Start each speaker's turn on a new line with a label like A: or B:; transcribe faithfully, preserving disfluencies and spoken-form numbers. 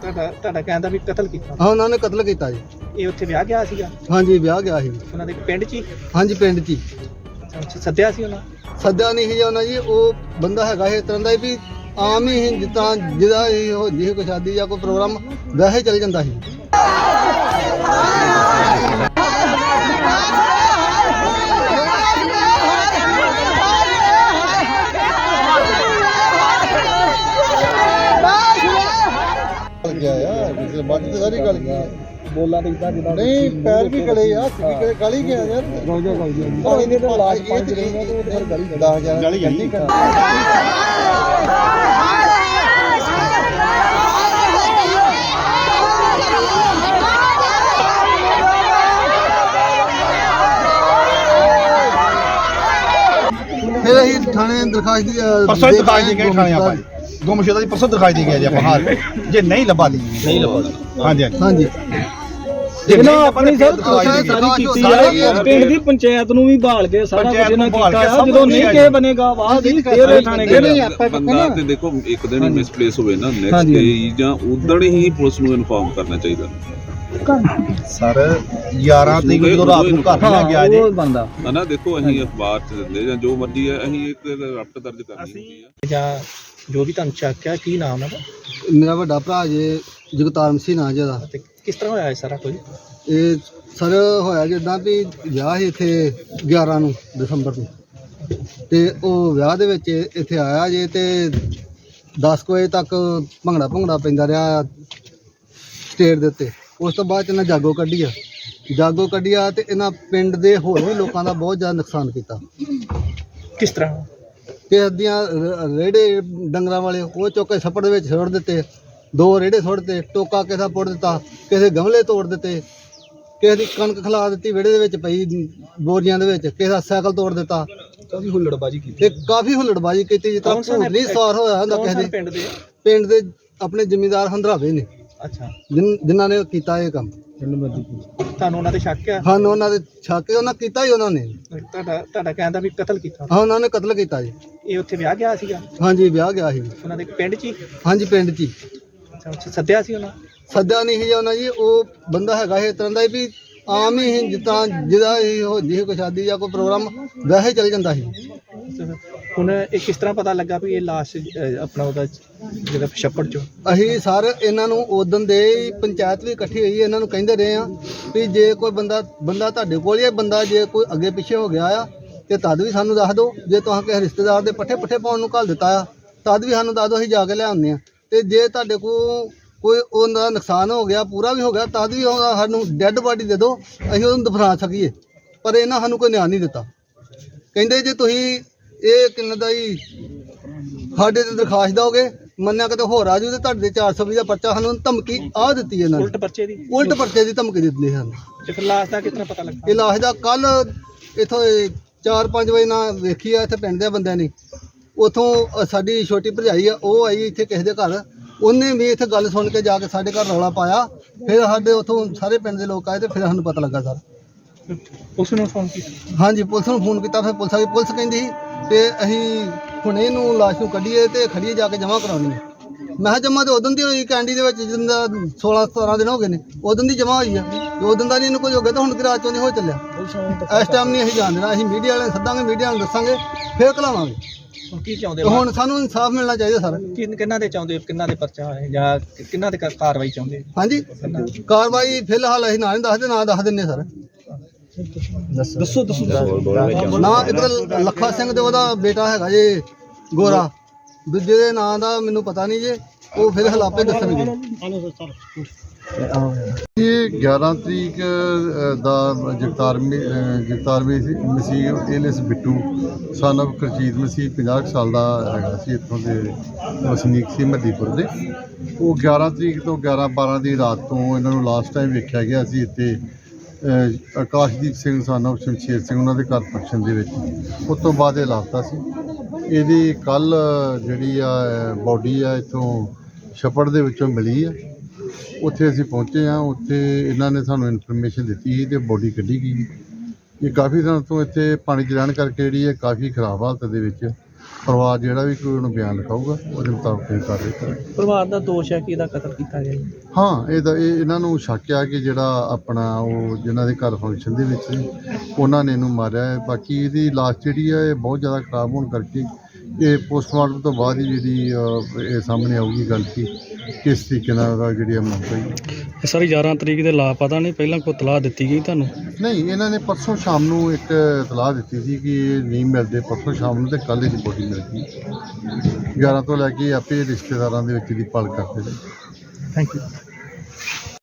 A: ਤੁਹਾਡਾ ਤੁਹਾਡਾ ਕਹਿੰਦਾ ਵੀ ਕਤਲ ਕੀਤਾ।
B: ਹਾਂ ਉਹਨਾਂ ਨੇ ਕਤਲ ਕੀਤਾ ਜੀ।
A: ਇਹ ਉੱਥੇ ਵਿਆਹ ਗਿਆ ਸੀਗਾ?
B: ਹਾਂਜੀ ਵਿਆਹ ਗਿਆ ਸੀ
A: ਉਹਨਾਂ ਦੇ ਪਿੰਡ 'ਚ ਹੀ?
B: ਹਾਂਜੀ ਪਿੰਡ 'ਚ ਹੀ।
A: ਅੱਛਾ, ਸੱਦਿਆ ਸੀ ਉਹਨਾਂ?
B: ਸੱਦਿਆ ਨਹੀਂ ਸੀ ਉਹਨਾਂ ਜੀ, ਉਹ ਬੰਦਾ ਹੈਗਾ ਇਸ ਤਰ੍ਹਾਂ ਦਾ ਵੀ ਆਮ ਹੀ ਜਿੱਦਾਂ ਜਿਹਦਾ ਇਹ ਹੋ ਜੀ ਕੋਈ ਸ਼ਾਦੀ ਜਾਂ ਕੋਈ ਪ੍ਰੋਗਰਾਮ ਵੈਸੇ ਚੱਲ ਜਾਂਦਾ ਸੀ। ਗਿਆ ਯਾਰ ਕਿਸੇ ਬਾਤ ਤੇ ਸਾਰੀ ਗੱਲ ਕੀ ਹੈ ਬੋਲਾਂ ਤੇ ਇਦਾਂ ਜਿੱਦਾਂ ਨਹੀਂ ਪੈਰ ਵੀ ਗਲੇ ਆ ਹੱਥ ਵੀ ਗਲੀ ਗਿਆ ਯਾਰ ਗੋਜਾ ਗੋਜਾ ਪਾਣੀ ਦੇ ਤੇ ਲਾਸ਼ ਪੰਜ ਰਹਿੰਦਾ ਤੇ ਫਿਰ ਗਲੀ ਦਸ ਹਜ਼ਾਰ ਗਲੀ ਨਹੀਂ ਫਿਰ ਅਸੀਂ ਥਾਣੇ ਦਰਖਾਸਤ ਦੀ
C: ਪਰਸੋਂ ਦਰਖਾਸਤ ਦੇ ਗਏ ਥਾਣੇ ਆਪਾਂ ਗੁੰਮਸ਼ੁਦਾ ਦੀ ਪਰਸੋਂ ਦਿਖਾਈ ਦੇ ਗਿਆ ਜੀ ਆਪਾਂ ਹਾਲ ਜੇ ਨਹੀਂ ਲੱਭਾ ਲਈ ਨਹੀਂ ਲੱਭਾ ਹਾਂਜੀ
B: ਹਾਂਜੀ
D: ਇਹਨਾਂ ਆਪਣੀ ਸਰ ਕੋਸ਼ਿਸ਼ ਸਾਰੀ ਕੀਤੀ ਹੈ ਪਿੰਡ ਦੀ ਪੰਚਾਇਤ ਨੂੰ ਵੀ ਭਾਲ ਕੇ ਸਾਰਾ ਕੁਝ ਇਹਨਾਂ ਕੀਤਾ ਜਦੋਂ ਨਹੀਂ ਕੇ ਬਣੇਗਾ ਬਾਅਦ ਹੀ ਫੇਰ ਥਾਣੇ ਗਏ
E: ਬੰਦਾ ਤੇ ਦੇਖੋ ਇੱਕ ਦਿਨ ਹੀ ਮਿਸਪਲੇਸ ਹੋਵੇ ਨਾ ਨੈਕਸਟ ਡੇ ਜਾਂ ਉਦੋਂ ਹੀ ਪੁਲਿਸ ਨੂੰ ਇਨਫਾਰਮ ਕਰਨਾ ਚਾਹੀਦਾ
C: ਸਰ ਗਿਆਰਾਂ ਤਰੀਕ ਜਦੋਂ ਰਾਤ ਨੂੰ ਘਰ ਲੈ ਗਿਆ ਜੀ
D: ਉਹ ਬੰਦਾ
E: ਹਨਾ ਦੇਖੋ ਅਸੀਂ ਅਖਬਾਰ 'ਚ ਦਿੰਦੇ ਜਾਂ ਜੋ ਮਰਜ਼ੀ ਹੈ ਅਸੀਂ ਇੱਕ ਰਪਟ ਦਰਜ ਕਰਨੀ ਹੁੰਦੀ ਆ
A: ਜਾਂ ਜੋ ਵੀ ਤੁਹਾਨੂੰ ਚੱਕਿਆ ਕੀ ਨਾਮ ਹੈ?
B: ਮੇਰਾ ਵੱਡਾ ਭਰਾ ਜੇ ਜਗਤਾਰ ਮਸੀਹ ਨਾਂ ਜਿਹਦਾ।
A: ਤੇ ਕਿਸ ਤਰ੍ਹਾਂ ਹੋਇਆ ਇਹ ਸਾਰਾ ਕੁਝ?
B: ਇਹ ਸਰ ਹੋਇਆ ਜਿੱਦਾਂ ਵੀ ਵਿਆਹ ਸੀ ਇੱਥੇ ਗਿਆਰਾਂ ਨੂੰ ਦਸੰਬਰ ਨੂੰ ਤੇ ਉਹ ਵਿਆਹ ਦੇ ਵਿੱਚ ਇੱਥੇ ਆਇਆ ਜੇ ਤੇ ਦਸ ਕੁ ਵਜੇ ਤੱਕ ਭੰਗੜਾ ਭੰਗੜਾ ਪੈਂਦਾ ਰਿਹਾ ਸਟੇਜ ਦੇ ਉੱਤੇ। ਉਸ ਤੋਂ ਬਾਅਦ ਇਹਨਾਂ ਜਾਗੋ ਕੱਢੀ ਆ ਜਾਗੋ ਕੱਢੀ ਆ ਤੇ ਇਹਨਾਂ ਪਿੰਡ ਦੇ ਹੋਰ ਵੀ ਲੋਕਾਂ ਦਾ ਬਹੁਤ ਜ਼ਿਆਦਾ ਨੁਕਸਾਨ ਕੀਤਾ।
A: ਕਿਸ ਤਰ੍ਹਾਂ?
B: ਕਿਸੇ ਦੀਆਂ ਰੇੜੇ ਡੰਗਰਾਂ ਵਾਲੇ ਉਹ ਚੁੱਕ ਕੇ ਛੱਪੜ ਦੇ ਵਿੱਚ ਸੁੱਟ ਦਿੱਤੇ, ਦੋ ਰੇੜੇ ਸੁੱਟ ਦਿੱਤੇ, ਟੋਕਾ ਕਿਸੇ ਦਾ ਪੁੱਟ ਦਿੱਤਾ, ਕਿਸੇ ਗਮਲੇ ਤੋੜ ਦਿੱਤੇ, ਕਿਸੇ ਦੀ ਕਣਕ ਖਿਲਾ ਦਿੱਤੀ ਵਿਹੜੇ ਦੇ ਵਿੱਚ ਪਈ ਬੋਰੀਆਂ ਦੇ ਵਿੱਚ, ਕਿਸੇ ਦਾ ਸਾਈਕਲ ਤੋੜ ਦਿੱਤਾ।
D: ਕਾਫੀ ਹੁੱਲੜਬਾਜੀ ਕੀਤੀ
B: ਤੇ ਕਾਫੀ ਹੁੱਲੜਬਾਜੀ ਕੀਤੀ ਜਿੱਦਾਂ ਝੂਠਲੀ ਸਵਾਰ ਹੋਇਆ ਹੁੰਦਾ ਕਿਸੇ ਦੇ
A: ਪਿੰਡ ਦੇ
B: ਪਿੰਡ ਦੇ ਆਪਣੇ ਜ਼ਿਮੀਂਦਾਰ ਹੰਦਰਾਵੇ ਨੇ
A: ਅੱਛਾ
B: ਜਿਨ੍ਹਾਂ ਨੇ ਕੀਤਾ ਇਹ ਕੰਮ।
A: ਤੁਹਾਨੂੰ ਉਹਨਾਂ ਤੇ ਸ਼ੱਕ ਆ?
B: ਸਾਨੂੰ ਉਹਨਾਂ ਦੇ ਛਾਕੇ ਉਹਨਾਂ ਕੀਤਾ ਹੀ ਉਹਨਾਂ ਨੇ।
A: ਤੁਹਾਡਾ ਤੁਹਾਡਾ ਕਹਿੰਦਾ ਵੀ ਕਤਲ ਕੀਤਾ?
B: ਹਾਂ ਉਹਨਾਂ ਨੇ ਕਤਲ ਕੀਤਾ ਜੀ।
A: ਇਹ ਉੱਥੇ ਵਿਆਹ ਗਿਆ ਸੀਗਾ?
B: ਹਾਂਜੀ ਵਿਆਹ ਗਿਆ ਸੀ
A: ਉਹਨਾਂ ਦੇ ਪਿੰਡ 'ਚ ਹੀ?
B: ਹਾਂਜੀ ਪਿੰਡ 'ਚ ਹੀ।
A: ਅੱਛਾ, ਸੱਦਿਆ ਸੀ ਉਹਨਾਂ? ਸੱਦਿਆ
B: ਨਹੀਂ ਸੀ ਉਹਨਾਂ ਜੀ, ਉਹ ਬੰਦਾ ਹੈਗਾ ਇਸ ਤਰ੍ਹਾਂ ਦਾ ਵੀ ਆਮ ਹੀ ਜਿੱਦਾਂ ਜਿਹਦਾ ਇਹ ਹੋ ਜੀ ਕੋਈ ਸ਼ਾਦੀ ਜਾਂ ਕੋਈ ਪ੍ਰੋਗਰਾਮ ਵੈਸੇ ਚੱਲ ਜਾਂਦਾ ਸੀ।
A: ਹੁਣ ਇਹ ਕਿਸ ਤਰ੍ਹਾਂ ਪਤਾ ਲੱਗਾ ਵੀ ਇਹ ਲਾਸ਼ ਆਪਣਾ ਉਹਦਾ ਜਿਹੜਾ ਛੱਪੜ 'ਚੋਂ? ਅਸੀਂ
B: ਸਰ ਇਹਨਾਂ ਨੂੰ ਉਦੋਂ ਦੇ ਪੰਚਾਇਤ ਵੀ ਇਕੱਠੀ ਹੋਈ ਇਹਨਾਂ ਨੂੰ ਕਹਿੰਦੇ ਰਹੇ ਆ ਵੀ ਜੇ ਕੋਈ ਬੰਦਾ ਬੰਦਾ ਤੁਹਾਡੇ ਕੋਲ ਹੀ ਬੰਦਾ ਜੇ ਕੋਈ ਅੱਗੇ ਪਿੱਛੇ ਹੋ ਗਿਆ ਆ ਤੇ ਤਦ ਵੀ ਸਾਨੂੰ ਦੱਸ ਦਿਓ। ਜੇ ਤੁਸੀਂ ਕਿਸੇ ਰਿਸ਼ਤੇਦਾਰ ਦੇ ਪੱਠੇ ਪੱਠੇ ਪਾਉਣ ਨੂੰ ਘੱਲ ਦਿੱਤਾ ਆ ਤਦ ਵੀ ਸਾਨੂੰ ਦੱਸ ਦਿਓ, ਅਸੀਂ ਜਾ ਕੇ ਲਿਆਉਂਦੇ ਆ। ਤੇ ਜੇ ਤੁਹਾਡੇ ਕੋਲ ਕੋਈ ਉਹਦਾ ਨੁਕਸਾਨ ਹੋ ਗਿਆ ਪੂਰਾ ਵੀ ਹੋ ਗਿਆ ਤਦ ਵੀ ਸਾਨੂੰ ਡੈੱਡ ਬਾਡੀ ਦੇ ਦਿਓ, ਅਸੀਂ ਉਹਨੂੰ ਦਫਨਾ ਸਕੀਏ। ਪਰ ਇਹਨਾਂ ਸਾਨੂੰ ਕੋਈ ਨਿਆਂ ਨਹੀਂ ਦਿੱਤਾ। ਕਹਿੰਦੇ ਜੇ ਤੁਸੀਂ ਇਹ ਕਿੰਨੇ ਦਾ ਹੀ ਸਾਡੇ ਤੇ ਦਰਖਾਸਤ ਦਿਓਗੇ ਮੰਨਿਆ ਕਿਤੇ ਹੋਰ ਆ ਜੂ ਤੇ ਤੁਹਾਡੇ ਚਾਰ ਸੌ ਵੀਹ ਦਾ ਪਰਚਾ ਸਾਨੂੰ ਧਮਕੀ ਆ ਦਿੱਤੀ ਇਹਨਾਂ ਨੇ।
A: ਉਲਟ ਪਰਚੇ ਦੀ?
B: ਉਲਟ ਪਰਚੇ ਦੀ ਧਮਕੀ ਦਿੱਤੀ ਸਾਨੂੰ।
A: ਤੇ ਫਿਰ ਲਾਸ਼ ਦਾ ਕਿਸ ਤਰ੍ਹਾਂ ਪਤਾ ਲੱਗਾ?
B: ਇਹ ਲਾਸ਼ ਦਾ ਕੱਲ ਇੱਥੋਂ ਚਾਰ ਪੰਜ ਵਜੇ ਨਾਲ ਵੇਖੀ ਆ ਇੱਥੇ ਪਿੰਡ ਦੇ ਬੰਦਿਆਂ ਨੇ। ਉੱਥੋਂ ਸਾਡੀ ਛੋਟੀ ਭਰਜਾਈ ਆ ਉਹ ਆਈ ਇੱਥੇ ਕਿਸੇ ਦੇ ਘਰ, ਉਹਨੇ ਵੀ ਇੱਥੇ ਗੱਲ ਸੁਣ ਕੇ ਜਾ ਕੇ ਸਾਡੇ ਘਰ ਰੌਲਾ ਪਾਇਆ। ਫਿਰ ਸਾਡੇ ਉੱਥੋਂ ਸਾਰੇ ਪਿੰਡ ਦੇ ਲੋਕ ਆਏ ਤੇ ਫਿਰ ਸਾਨੂੰ ਪਤਾ ਲੱਗਾ ਸਰ।
A: ਪੁਲਿਸ ਨੂੰ ਫੋਨ ਕੀਤਾ? ਹਾਂਜੀ
B: ਪੁਲਿਸ ਨੂੰ ਫੋਨ ਕੀਤਾ। ਫਿਰ ਪੁਲਿਸ ਆ ਗਈ। ਪੁਲਿਸ ਕਹਿੰਦੀ ਸੀ ਤੇ ਅਸੀਂ ਹੁਣ ਇਹਨੂੰ ਲਾਸ਼ ਨੂੰ ਕੱਢੀਏ ਤੇ ਖੜੀਏ ਜਾ ਕੇ ਜਮ੍ਹਾਂ ਕਰਾਉਣੀ ਹੈ। ਮੈਂ ਕਿਹਾ ਜਮ੍ਹਾਂ ਤੇ ਉਦੋਂ ਦੀ ਹੋਈ ਕੈਂਡੀ ਦੇ ਵਿੱਚ ਜਿੰਦਾ ਸੋਲਾਂ ਸਤਾਰਾਂ ਦਿਨ ਹੋ ਗਏ ਨੇ ਉਦੋਂ ਦੀ ਜਮ੍ਹਾਂ ਹੋਈ ਆ ਤੇ ਉਦੋਂ ਦਾ ਨਹੀਂ ਇਹਨੂੰ ਕੁਝ ਹੋ ਗਿਆ ਤਾਂ ਹੁਣ ਕਿ ਰਾਤ ਚੋਂ ਦੀ ਹੋ ਚੱਲਿਆ। ਇਸ ਟਾਈਮ ਨਹੀਂ ਅਸੀਂ ਜਾਣ ਦੇਣਾ। ਅਸੀਂ ਮੀਡੀਆ ਵਾਲਿਆਂ ਨੂੰ ਸੱਦਾਂਗੇ, ਮੀਡੀਆ ਨੂੰ ਦੱਸਾਂਗੇ, ਫਿਰ ਘਲਾਵਾਂਗੇ।
A: ਹੁਣ ਕੀ ਚਾਹੁੰਦੇ?
B: ਹੁਣ ਸਾਨੂੰ ਇਨਸਾਫ ਮਿਲਣਾ ਚਾਹੀਦਾ ਸਰ।
A: ਕਿੰਨਾਂ ਦੇ ਚਾਹੁੰਦੇ, ਕਿੰਨਾਂ ਦੇ ਪਰਚਾ ਹੋਏ ਜਾਂ ਕਿੰਨਾਂ ਦੇ ਕਾਰਵਾਈ ਚਾਹੁੰਦੇ?
B: ਹਾਂਜੀ ਕਾਰਵਾਈ ਫਿਲਹਾਲ ਅਸੀਂ ਨਾ ਨਹੀਂ ਦੱਸਦੇ, ਨਾ ਦੱਸ ਦਿੰਦੇ ਸਰ।
D: ਦੱਸੋ ਦੱਸੋ
B: ਨਾ ਇੱਕ ਤਾਂ ਲੱਖਾ ਸਿੰਘ ਤੇ ਉਹਦਾ ਬੇਟਾ ਹੈਗਾ ਜੇ ਗੋਰਾ, ਦੂਜੇ ਦੇ ਨਾਂ ਦਾ ਮੈਨੂੰ ਪਤਾ ਨਹੀਂ ਜੇ, ਉਹ ਫਿਰ ਹਲਾਪੇ ਦੱਸਣਗੇ।
F: ਇਹ ਗਿਆਰਾਂ ਤਰੀਕ ਦਾ Jagtar Jagtar Masih alias Bittu son of Karjit Masih ਪੰਜਾਹ ਸਾਲ ਦਾ ਹੈਗਾ ਸੀ, ਇੱਥੋਂ ਦੇ ਵਸਨੀਕ ਸੀ ਮੱਦੀਪੁਰ ਦੇ। ਉਹ ਗਿਆਰਾਂ ਤਰੀਕ ਤੋਂ ਗਿਆਰਾਂ ਬਾਰਾਂ ਦੀ ਰਾਤ ਤੋਂ ਇਹਨਾਂ ਨੂੰ ਲਾਸਟ ਟਾਈਮ ਵੇਖਿਆ ਗਿਆ ਸੀ ਇੱਥੇ ਆਕਾਸ਼ਦੀਪ ਸਿੰਘ ਸਨ ਆਫ ਸ਼ਮਸ਼ੇਰ ਸਿੰਘ ਉਹਨਾਂ ਦੇ ਘਰ ਫੰਕਸ਼ਨ ਦੇ ਵਿੱਚ। ਉਸ ਤੋਂ ਬਾਅਦ ਇਹ ਲਾਪਤਾ ਸੀ। ਇਹਦੀ ਕੱਲ੍ਹ ਜਿਹੜੀ ਆ ਬੋਡੀ ਆ ਇੱਥੋਂ ਛੱਪੜ ਦੇ ਵਿੱਚੋਂ ਮਿਲੀ ਆ। ਉੱਥੇ ਅਸੀਂ ਪਹੁੰਚੇ ਹਾਂ। ਉੱਥੇ ਇਹਨਾਂ ਨੇ ਸਾਨੂੰ ਇਨਫੋਰਮੇਸ਼ਨ ਦਿੱਤੀ ਸੀ ਅਤੇ ਬੋਡੀ ਕੱਢੀ ਗਈ। ਇਹ ਕਾਫੀ ਦਿਨ ਤੋਂ ਇੱਥੇ ਪਾਣੀ 'ਚ ਰਹਿਣ ਕਰਕੇ ਜਿਹੜੀ ਹੈ ਕਾਫੀ ਖਰਾਬ ਹਾਲਤ ਦੇ ਵਿੱਚ ਪਰਿਵਾਰ ਜਿਹੜਾ ਵੀ ਕੋਈ ਉਹਨੂੰ ਬਿਆਨ ਲਿਖਾਊਗਾ ਉਹਦੇ ਮੁਤਾਬਕ ਇਹ ਕਾਰਵਾਈ ਕਰਾਂਗੇ।
A: ਪਰਿਵਾਰ ਦਾ ਦੋਸ਼ ਹੈ ਕਿ ਇਹਦਾ ਕਤਲ ਕੀਤਾ ਗਿਆ ਜੀ।
F: ਹਾਂ ਇਹ ਤਾਂ ਇਹ ਇਹਨਾਂ ਨੂੰ ਸ਼ੱਕ ਆ ਕਿ ਜਿਹੜਾ ਆਪਣਾ ਉਹ ਜਿਨ੍ਹਾਂ ਦੇ ਘਰ ਫੰਕਸ਼ਨ ਦੇ ਵਿੱਚ ਸੀ ਉਹਨਾਂ ਨੇ ਇਹਨੂੰ ਮਾਰਿਆ ਹੈ। ਬਾਕੀ ਇਹਦੀ ਲਾਸ਼ ਜਿਹੜੀ ਆ ਇਹ ਬਹੁਤ ਜ਼ਿਆਦਾ ਖਰਾਬ ਹੋਣ ਕਰਕੇ ਇਹ ਪੋਸਟਮਾਰਟਮ ਤੋਂ ਬਾਅਦ ਹੀ ਜਿਹੜੀ ਅਹ, ਇਹ ਸਾਹਮਣੇ ਆਊਗੀ ਗੱਲ ਕਿ ਕਿਸ ਤਰੀਕੇ ਨਾਲ ਉਹਦਾ ਜਿਹੜੀ ਆ ਮੌਤ ਹੋਈ।
D: ਸਰ ਗਿਆਰਾਂ ਤਰੀਕ ਦੇ ਲਾਪਤਾ ਨਹੀਂ ਪਹਿਲਾਂ ਕੋਈ ਤਲਾਹ ਦਿੱਤੀ ਗਈ ਤੁਹਾਨੂੰ?
F: ਨਹੀਂ ਇਹਨਾਂ ਨੇ ਪਰਸੋਂ ਸ਼ਾਮ ਨੂੰ ਇੱਕ ਇਤਲਾਹ ਦਿੱਤੀ ਸੀ ਕਿ ਇਹ ਨਹੀਂ ਮਿਲਦੇ, ਪਰਸੋਂ ਸ਼ਾਮ ਨੂੰ ਤੇ ਕੱਲ੍ਹ ਇਹਦੀ ਬੋਡੀ ਮਿਲ ਗਈ। ਗਿਆਰਾਂ ਤੋਂ ਲੈ ਕੇ ਆਪੇ ਰਿਸ਼ਤੇਦਾਰਾਂ ਦੇ ਵਿੱਚ ਦੀ ਭਾਲ ਕਰਦੇ ਨੇ।
A: Thank you.